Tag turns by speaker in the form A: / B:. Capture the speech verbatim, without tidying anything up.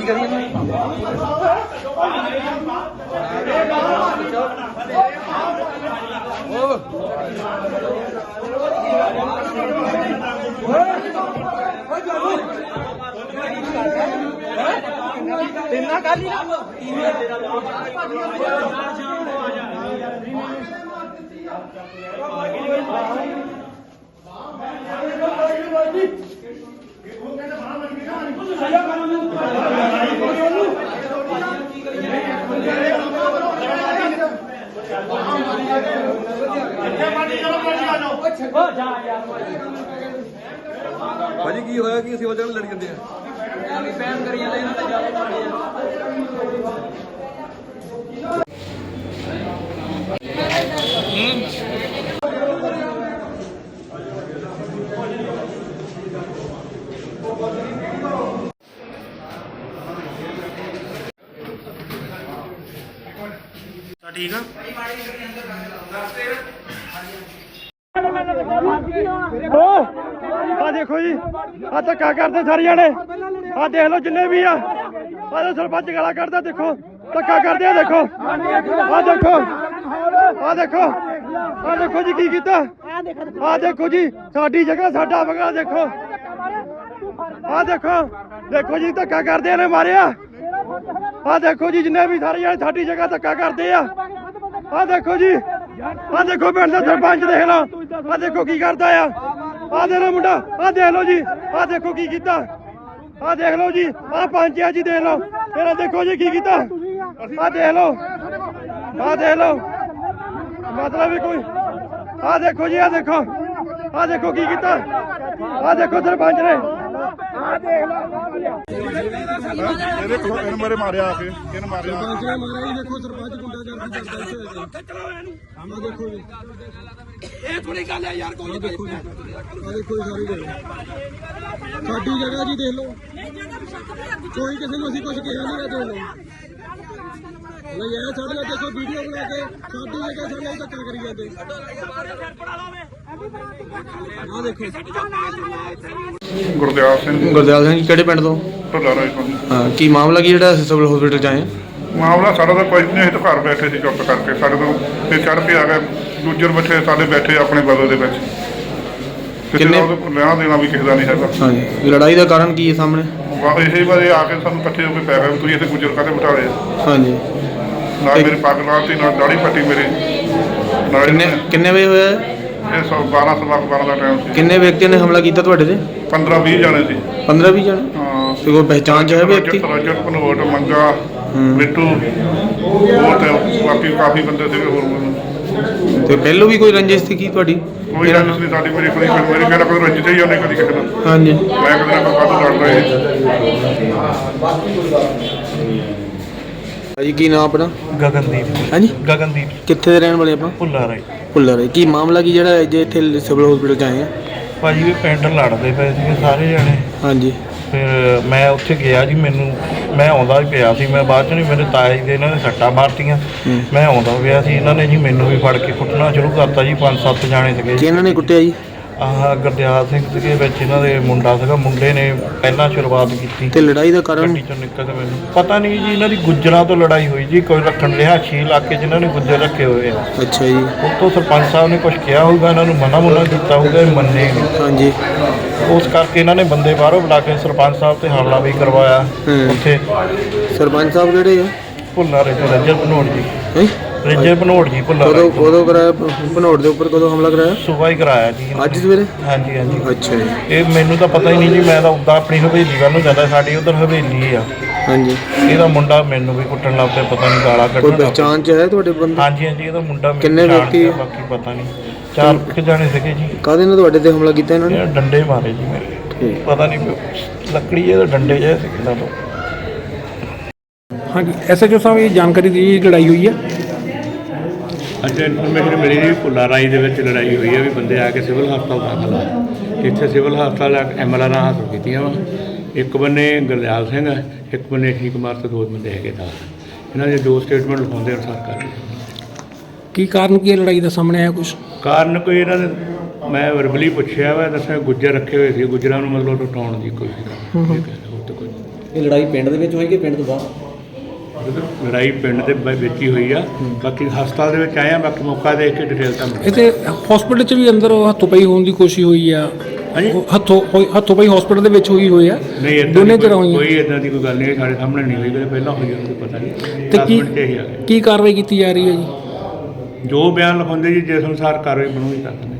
A: ਇੰਨਾ ਕਰ ਲਈ
B: ਭਾਜੀ ਕੀ ਹੋਇਆ ਕਿ ਅਸੀਂ ਵਜ੍ਹਾ ਨਾਲ ਲੜੀ ਜਾਂਦੇ ਆ
A: ਬੈਨ ਕਰੀ ਜਾਂਦੇ ਇਹਨਾਂ ਦਾ ਜ਼ਿਆਦਾ
C: ठीक है आ देखो जी आ धक्का करते सारे जने आ देख लो जिन्ने भी आ सरपंच गाला करता देखो धक्का करते देखो आ देखो आ देखो आ देखो जी की कीता आ देखो जी साडी जगह साडा बंगला देखो आ देखो देखो जी धक्का करते ने मारिया आ देखो जी जिन्ने भी सारे जने साडी जगह धक्का करते आ आ देखो जी आ देखो पिंड दा सरपंच देख लो आ देखो की करता है आ देख लो मुंडा आ देख लो जी आ देखो की कीता आ देख लो जी आ पंच है जी देख लो फिर देखो जी की कीता आ देख लो आ देख लो मतलब भी कोई आ देखो जी आ देखो आ देखो की कीता आ देखो सरपंच ने
D: मारे मारे आके किन मारे
C: देखो सरपंच गुंडागर्दी करता है देखो जी ਇਹ ਥੋੜੀ ਗੱਲ ਹੈ ਯਾਰ ਕੋਈ ਦੇਖੋ ਜੀ ਆ ਦੇਖੋ ਸਾਰੀ ਜਗ੍ਹਾ ਸਾਡੀ ਜਗ੍ਹਾ ਜੀ ਦੇਖ ਲਓ ਕੋਈ ਕਿਸੇ ਨੂੰ ਅਸੀਂ ਕੁਝ ਕਿਹਾ ਨਹੀਂ ਹੈ ਦੇਖ ਲਓ ਨਹੀਂ ਇਹ ਸਾਡੇ ਨਾਲ ਦੇਖੋ ਵੀਡੀਓ ਬਣਾ ਕੇ ਸਾਡੀ ਜਗ੍ਹਾ ਸਾਡੇ ਨਾਲ ਧੱਕਾ ਕਰੀ ਜਾਂਦੇ ਆ ਦੇਖੋ
D: ਗੁਰਦਿਆਲ ਸਿੰਘ
B: ਗੁਰਦਿਆਲ ਸਿੰਘ ਕਿਹੜੇ ਪਿੰਡ ਤੋਂ
D: ਢੋਲਾ ਰਾਏ ਤੋਂ
B: ਹਾਂ ਕੀ ਮਾਮਲਾ ਕੀ ਜਿਹੜਾ ਸਿਵਲ ਹਸਪੀਟਲ ਚ ਆਏ
D: ਮਾਮਲਾ ਸਾਡਾ ਤਾਂ ਕੋਈ ਨਹੀਂ, ਅਸੀਂ ਤਾਂ ਘਰ ਬੈਠੇ ਸੀ ਚੁੱਪ ਕਰਕੇ ਸਾਡੇ ਤੋਂ ਤੇ ਚੜ੍ਹ ਕੇ ਆ ਗਏ ਦੂਜੇ ਬੱਚੇ ਸਾਡੇ ਬੈਠੇ ਆਪਣੇ ਬਦਲ ਦੇ ਵਿੱਚ ਕਿੰਨੇ ਲੈਣਾ ਦੇਣਾ ਵੀ ਕਿਸੇ ਦਾ ਨਹੀਂ ਹੈਗਾ।
B: ਹਾਂਜੀ ਲੜਾਈ ਦਾ ਕਾਰਨ ਕੀ ਹੈ ਸਾਹਮਣੇ
D: ਇਹੀ ਵਾਰੇ ਆ ਕੇ ਸਾਨੂੰ ਇਕੱਠੇ ਹੋ ਕੇ ਪੈ ਗਏ ਤੁਸੀਂ ਇੱਥੇ ਗੁੱਜਰ ਕਾਹਦੇ ਬਿਠਾ ਲਏ
B: ਹਾਂਜੀ
D: ਨਾਲ ਮੇਰੀ ਪੱਗ ਲਾਤੀ ਨਾਲ ਦਾੜੀ ਪੱਟੀ ਮੇਰੀ ਨਾਲ
B: ਕਿੰਨੇ ਕਿੰਨੇ ਵਜੇ ਹੋਇਆ
D: ਇਹ ਸੌ ਬਾਰਾਂ ਸਵਾ ਬਾਰਾਂ ਦਾ ਟਾਈਮ ਸੀ।
B: ਕਿੰਨੇ ਵਿਅਕਤੀਆਂ ਨੇ ਹਮਲਾ ਕੀਤਾ ਤੁਹਾਡੇ ਤੇ
D: ਪੰਦਰਾਂ ਵੀਹ ਜਾਣੇ ਸੀ
B: ਪੰਦਰਾਂ ਵੀਹ ਜਾਣੇ
D: ਹਾਂ
B: ਤੇ ਕੋਈ ਪਹਿਚਾਣ ਚ ਹੈ ਵਿਅਕਤੀ
D: ਰਜਤ ਪਨੋਟ ਮੰਗਾ ਬਿੱਟੂ ਹੋਰ ਤੇ ਬਾਕੀ ਕਾਫੀ ਬੰਦੇ ਸੀਗੇ ਹੋਰ
B: ਤੇ ਪਹਿਲੋਂ ਵੀ ਕੋਈ ਰੰਜਿਸ਼ ਸੀ ਕੀ ਤੁਹਾਡੀ
D: ਕੋਈ ਰੰਜਿਸ਼ ਨਹੀਂ ਸਾਡੀ ਮੇਰੀ ਕੋਈ ਮੇਰੀ ਕਿਹੜਾ ਕੋਈ ਰੰਜਿਸ਼ ਹੀ ਉਹਨੇ ਕਦੀ ਕਿਸੇ ਨਾਲ
B: ਹਾਂਜੀ
D: ਮੈਂ ਕਦੇ ਨਾ ਕਾਹਤੋਂ ਲੜਦਾ ਇਹ
B: ਭਾਜੀ ਕੀ ਨਾਮ ਆਪਣਾ
C: गगनदीप
B: ਹਾਂਜੀ
C: गगनदीप
B: ਕਿੱਥੇ ਦੇ ਰਹਿਣ ਵਾਲੇ ਆਪਾਂ
C: ਭੁੱਲਾ ਰਾਏ
B: ਭੁੱਲਰ ਹੈ ਕੀ ਮਾਮਲਾ ਕੀ ਜਿਹੜਾ ਜੇ ਇੱਥੇ ਸਿਵਲ ਹਸਪੀਟਲ ਚ ਆਏ ਆ
C: ਭਾਜੀ ਵੀ ਪਿੰਡ ਲੜਦੇ ਪਏ ਸੀਗੇ ਸਾਰੇ ਜਣੇ
B: ਹਾਂਜੀ
C: ਫਿਰ ਮੈਂ ਉੱਥੇ ਗਿਆ ਜੀ ਮੈਨੂੰ ਮੈਂ ਆਉਂਦਾ ਹੀ ਪਿਆ ਸੀ ਮੈਂ ਬਾਅਦ 'ਚ ਨਹੀਂ ਮੇਰੇ ਤਾਏ ਦੇ ਇਹਨਾਂ ਨੇ ਸੱਟਾਂ ਮਾਰਤੀਆਂ ਮੈਂ ਆਉਂਦਾ ਪਿਆ ਸੀ ਇਹਨਾਂ ਨੇ ਜੀ ਮੈਨੂੰ ਵੀ ਫੜ ਕੇ ਕੁੱਟਣਾ ਸ਼ੁਰੂ ਕਰਤਾ ਜੀ ਪੰਜ ਸੱਤ ਜਾਣੇ ਸੀਗੇ
B: ਕਿ ਇਹਨਾਂ ਨੇ ਕੁੱਟਿਆ ਜੀ
C: ਆਹ ਗੁਰਦਿਆਲ ਸਿੰਘ ਸੀਗੇ ਵਿੱਚ ਇਹਨਾਂ ਦੇ ਮੁੰਡਾ ਸੀਗਾ ਮੁੰਡੇ ਨੇ ਪਹਿਲਾਂ ਸ਼ੁਰੂਆਤ ਕੀਤੀ
B: ਤੇ ਲੜਾਈ ਦਾ ਕਾਰਨ
C: ਗੱਡੀ ਚੋਂ ਨਿਕਲ ਕੇ ਮੈਨੂੰ ਪਤਾ ਨਹੀਂ ਜੀ ਇਹਨਾਂ ਦੀ ਗੁੱਜਰਾਂ ਤੋਂ ਲੜਾਈ ਹੋਈ ਜੀ ਕੋਈ ਰੱਖਣ ਰਿਹਾਇਸ਼ੀ ਇਲਾਕੇ ਜਿਨ੍ਹਾਂ ਨੇ ਗੁੱਜਰ ਰੱਖੇ ਹੋਏ ਆ
B: ਅੱਛਾ ਜੀ
C: ਉੱਤੋਂ ਸਰਪੰਚ ਸਾਹਿਬ ਨੇ ਕੁਝ ਕਿਹਾ ਹੋਊਗਾ ਇਹਨਾਂ ਨੂੰ ਮਨਾ ਮੁਨਾ ਕੀਤਾ ਹੋਊਗਾ ਇਹ ਮੰਨੇ ਨਹੀਂ
B: ਹਾਂਜੀ
C: ਉਸ ਕਰਕੇ ਇਹਨਾਂ ਨੇ ਬੰਦੇ ਬਾਹਰੋਂ ਬੁਲਾ ਕੇ ਸਰਪੰਚ ਸਾਹਿਬ ਤੇ ਹਮਲਾ ਵੀ ਕਰਵਾਇਆ ਉੱਥੇ
B: ਸਰਪੰਚ ਸਾਹਿਬ ਕਿਹੜੇ ਆ
C: ਭੁੱਲਾ ਰਹੇ ਤੋਂ ਰਜਰ ਭਨੋੜ ਜੀ
B: ਹੈ
C: ਰਜਰ ਭਨੋੜ ਜੀ ਭੁੱਲਾ
B: ਕਦੋਂ ਕਦੋਂ ਕਰਾਇਆ ਭਨੋੜ ਦੇ ਉੱਪਰ ਕਦੋਂ ਹਮਲਾ ਕਰਾਇਆ
C: ਸੁਬਾਹ ਹੀ ਕਰਾਇਆ ਜੀ
B: ਅੱਜ ਸਵੇਰੇ
C: ਹਾਂਜੀ ਹਾਂਜੀ
B: ਅੱਛਾ ਜੀ
C: ਇਹ ਮੈਨੂੰ ਤਾਂ ਪਤਾ ਹੀ ਨਹੀਂ ਜੀ ਮੈਂ ਤਾਂ ਉੱਦਾਂ ਆਪਣੀ ਹਵੇਲੀ ਵੱਲ ਨੂੰ ਜਾਂਦਾ ਸਾਡੀ ਉਧਰ ਹਵੇਲੀ ਆ
B: ਹਾਂਜੀ
C: ਇਹਦਾ ਮੁੰਡਾ ਮੈਨੂੰ ਵੀ ਕੁੱਟਣ ਲੱਗ ਪਿਆ ਪਤਾ ਨਹੀਂ ਗਾਲਾਂ
B: ਕੋਈ
C: ਕੱਢਣ ਲੱਗ
B: ਪਹਿਚਾਣ ਚ ਹੈ ਤੁਹਾਡੇ ਬੰਦੇ
C: ਹਾਂਜੀ ਹਾਂਜੀ ਇਹਦਾ ਮੁੰਡਾ ਮੈਨੂੰ
B: ਕਿੰਨੇ
C: ਜਾਣਦਾ,
B: ਵਿਅਕਤੀ?
C: ਬਾਕੀ ਪਤਾ ਨਹੀਂ ਚਾਰ ਕਿ ਜਾਣੇ ਸੀਗੇ ਜੀ
B: ਕਾਹਦੇ ਨਾਲ ਤੁਹਾਡੇ ਤੇ ਹਮਲਾ ਕੀਤਾ ਇਹਨਾਂ ਨੇ
C: ਇਹ ਡੰਡੇ ਮਾਰੇ ਜੀ ਮੇਰੇ
B: ਠੀਕ
C: ਪਤਾ ਨਹੀਂ ਲੱਕੜੀ ਇਹਦੇ ਡੰਡੇ ਜਿਹੇ ਸੀ ਕਿੰਨਾ ਤੋਂ
E: हाँ जी एस एच ओ साहब ये जानकारी दी लड़ाई हुई है
F: अच्छा इनफॉर्मेशन मिली जी भुੱਲਾ ਰਾਈ ਦੇ ਵਿੱਚ ਲੜਾਈ ਹੋਈ ਹੈ ਵੀ ਬੰਦੇ ਆ ਕੇ ਸਿਵਲ ਹਸਪਤਾਲ ਦਾਖਲ ਆ ਇੱਥੇ ਸਿਵਲ ਹਸਪਤਾਲ ਐਮ ਐਲ ਆਰ ਨਾਲ ਹਾਸਲ ਕੀਤੀਆਂ ਵਾ ਇੱਕ ਬੰਨੇ ਗੁਰਦਿਆਲ ਸਿੰਘ ਹੈ ਇੱਕ ਬੰਨੇ ਠੀਕ ਕੁਮਾਰ ਤੇ ਦੋ ਬੰਦੇ ਹੈਗੇ ਦਾ ਇਹਨਾਂ ਦੇ ਦੋ ਸਟੇਟਮੈਂਟ ਲਿਖਾਉਂਦੇ ਅਨੁਸਾਰ ਕਰ
E: की कारण की लड़ाई का सामने आया कुछ
F: ਕਾਰਨ ਕੋਈ ਇਹਨਾਂ ਨੇ ਮੈਂ ਵਰਬਲੀ ਪੁੱਛਿਆ ਵਾ ਦੱਸਿਆ ਗੁੱਜਰ ਰੱਖੇ ਹੋਏ ਸੀ ਗੁੱਜਰਾਂ ਨੂੰ ਮਤਲਬ ਟੁੱਟਾਉਣ ਦੀ ਕੋਸ਼ਿਸ਼ ਕਰ ਉਹ ਤਾਂ ਕੋਈ
G: ਇਹ ਲੜਾਈ ਪਿੰਡ ਦੇ ਵਿੱਚ ਹੋਈ ਕਿ ਪਿੰਡ ਤੋਂ ਬਾਹਰ?
F: ਲੜਾਈ ਪਿੰਡ ਦੇ ਬ- ਵਿੱਚ ਹੀ ਹੋਈ ਆ। ਬਾਕੀ ਹਸਪਤਾਲ ਦੇ ਵਿੱਚ ਆਏ ਆ, ਬਾਕੀ ਮੌਕਾ ਦੇਖ ਕੇ ਡਿਟੇਲ ਤੁਹਾਨੂੰ
E: ਇਹ ਤੇ ਹਸਪੀਟਲ 'ਚ ਵੀ ਅੰਦਰ ਉਹ ਹੱਥੋਂ ਪਈ ਹੋਣ ਦੀ ਕੋਸ਼ਿਸ਼ ਹੋਈ ਆ।
F: ਹਾਂਜੀ।
E: ਉਹ ਹੱਥੋਂ ਹੋਈ- ਹੱਥੋਂ ਪਈ ਹਸਪੀਟਲ ਦੇ ਵਿੱਚ ਹੋਈ ਹੋਈ ਆ।
F: ਨਹੀਂ ਏਦਾਂ
E: ਦੋਨੇ
F: ਦੀ
E: ਤਰ੍ਹਾਂ
F: ਕੋਈ-
E: ਹੋਈਆਂ
F: ਕੋਈ ਇਦਾਂ ਦੀ ਕੋਈ ਗੱਲ ਨਹੀਂ ਸਾਡੇ ਸਾਹਮਣੇ ਨਹੀਂ ਹੋਈ, ਕਦੇ ਪਹਿਲਾਂ ਹੋਈ ਉਹਨੂੰ ਪਤਾ ਨਹੀਂ।
E: ਤੇ
F: ਦਸ
E: ਕੀ
F: ਮਿੰਟ 'ਚ ਹੀ ਆ ਗਏ।
E: ਕੀ ਕਾਰਵਾਈ ਕੀਤੀ ਜਾ ਰਹੀ ਹੈ ਜੀ?
F: ਜੋ ਬਿਆਨ ਲਿਖਾਉਂਦੇ ਜੀ ਜਿਸ ਅਨੁਸਾਰ ਕਾਰਵਾਈ ਬਣੂਗੀ ਕਰ ਦਿੰਦੇ।